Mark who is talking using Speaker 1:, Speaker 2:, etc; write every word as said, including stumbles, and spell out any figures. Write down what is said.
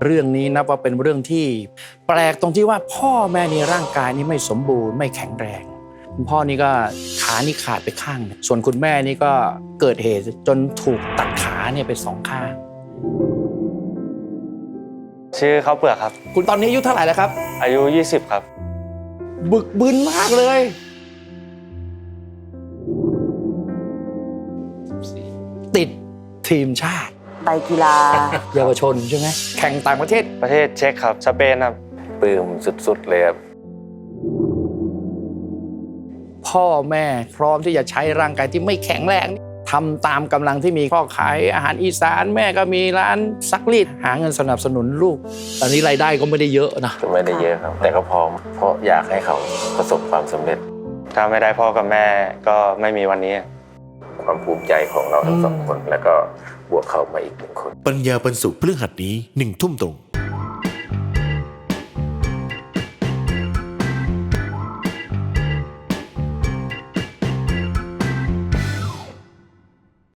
Speaker 1: เรื่องนี้นับว่าเป็นเรื่องที่แปลกตรงที่ว่าพ่อแม่ในร่างกายนี่ไม่สมบูรณ์ไม่แข็งแรงคุณพ่อนี่ก็ขานี่ขาดไปข้างนึงส่วนคุณแม่นี่ก็เกิดเหตุจนถูกตัดขาเนี่ยไปสองข้าง
Speaker 2: ชื่อข้าวเปลือกครับ
Speaker 1: คุณตอนนี้อายุเท่าไหร่แล้วครับ
Speaker 2: อายุยี่สิบครับ
Speaker 1: บึกบึนมากเลยติดทีมชาติ
Speaker 3: ไปกีฬา
Speaker 1: เยาวชนใช่ไหมแข่งต่างประเทศ
Speaker 2: ประเทศเช็กครับสเปนครับ
Speaker 4: ปลื้มสุดๆเลยครับ
Speaker 1: พ่อแม่พร้อมที่จะใช้ร่างกายที่ไม่แข็งแรงทำตามกำลังที่มีพ่อขายอาหารอีสานแม่ก็มีร้านซักรีดหาเงินสนับสนุนลูกตอนนี้รายได้ก็ไม่ได้เยอะนะ
Speaker 4: ก็ไม่ได้เยอะครับแต่ก็พร้อมเพราะอยากให้เขาประสบความสำเร็จ
Speaker 2: ถ้าไม่ได้พ่อกับแม่ก็ไม่มีวันนี้
Speaker 4: ความภูมิใจของเราทั้งสองคนแล้วก็บวกเขามาอีกหนึ่งคน
Speaker 5: ปัญญาบรรสุพฤหัสนี้หนึ่งทุ่มตรง